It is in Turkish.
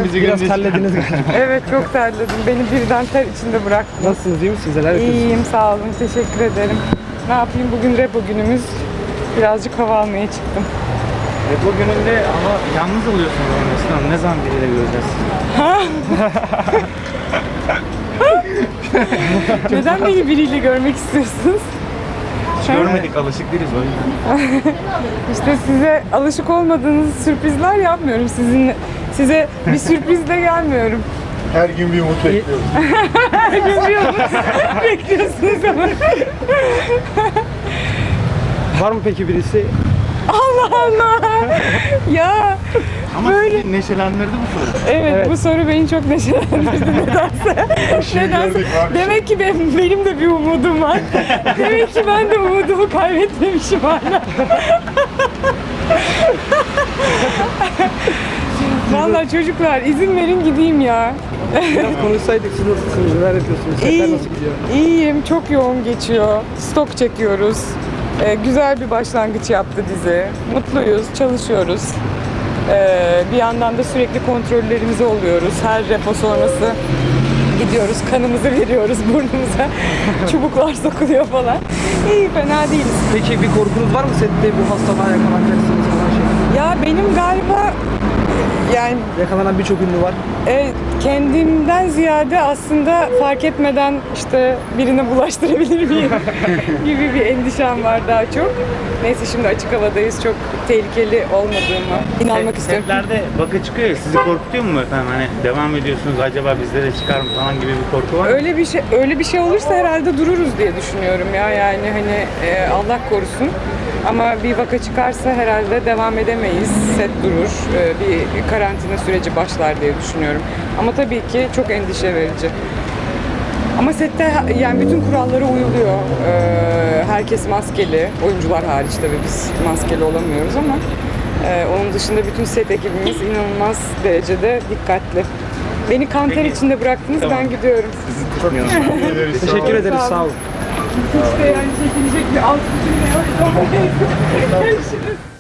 Bizi Biraz görünce terlediniz galiba. Evet, çok terledim. Beni birden ter içinde bıraktı. Nasılsınız, iyi misiniz? Neler yapıyorsunuz? İyiyim, sağ olun. Teşekkür ederim. Ne yapayım? Bugün repo günümüz. Birazcık hava almaya çıktım. bu gününde ama yalnız oluyorsunuz Neslihan. Ne zaman biriyle göreceğiz? Neden beni biriyle görmek istiyorsunuz? Hiç görmedik, alışık değiliz o yüzden. İşte size alışık olmadığınız sürprizler yapmıyorum. Size bir sürprizle gelmiyorum. Her gün bir umut bekliyoruz. Her gün bir umut bekliyorsunuz ama. Var mı peki birisi? Allah Allah! Ya Ama böyle... sizi neşelendirdi bu soru. Evet, bu soru beni çok neşelendirdi nedense. Nedense. Demek ki benim de bir umudum var. Demek ki ben de umudumu kaybetmemişim hala. Vallahi çocuklar izin verin gideyim ya. Biraz konuşsaydık, siz nasılsınız, neler yapıyorsunuz, setler nasıl gidiyor? İyiyim, çok yoğun geçiyor. Stok çekiyoruz. Güzel bir başlangıç yaptı dizi. Mutluyuz, çalışıyoruz. Bir yandan da sürekli kontrollerimizi oluyoruz. Her repo sonrası gidiyoruz, kanımızı veriyoruz burnumuza. Çubuklar sokuluyor falan. İyi, fena değiliz. Peki bir korkunuz var mı sette bu hastalığa yakalanacaksınız falan şey? Ya benim galiba yani Yakalanan birçok ünlü var. kendimden ziyade aslında fark etmeden işte birine bulaştırabilir miyim gibi bir endişem var daha çok. Neyse, şimdi açık havadayız. Çok tehlikeli olmadığıma inanmak istiyorum. Setlerde vaka çıkıyor ya, sizi korkutuyor mu efendim? Hani devam ediyorsunuz, acaba bizde de çıkar mı falan gibi bir korku var mı? Öyle bir şey olursa herhalde dururuz diye düşünüyorum ya. Yani hani Allah korusun. Ama bir vaka çıkarsa herhalde devam edemeyiz. Set durur. Bir karantina süreci başlar diye düşünüyorum. Ama tabii ki çok endişe verici. Ama sette yani bütün kurallara uyuluyor. Herkes maskeli. Oyuncular hariç tabii biz maskeli olamıyoruz ama onun dışında bütün set ekibimiz inanılmaz derecede dikkatli. Beni kan ter içinde bıraktınız, Tamam. ben gidiyorum. Teşekkür ederiz, sağ olun. İşte yani çekilecek bir alt bütün ne yok. Görüşürüz.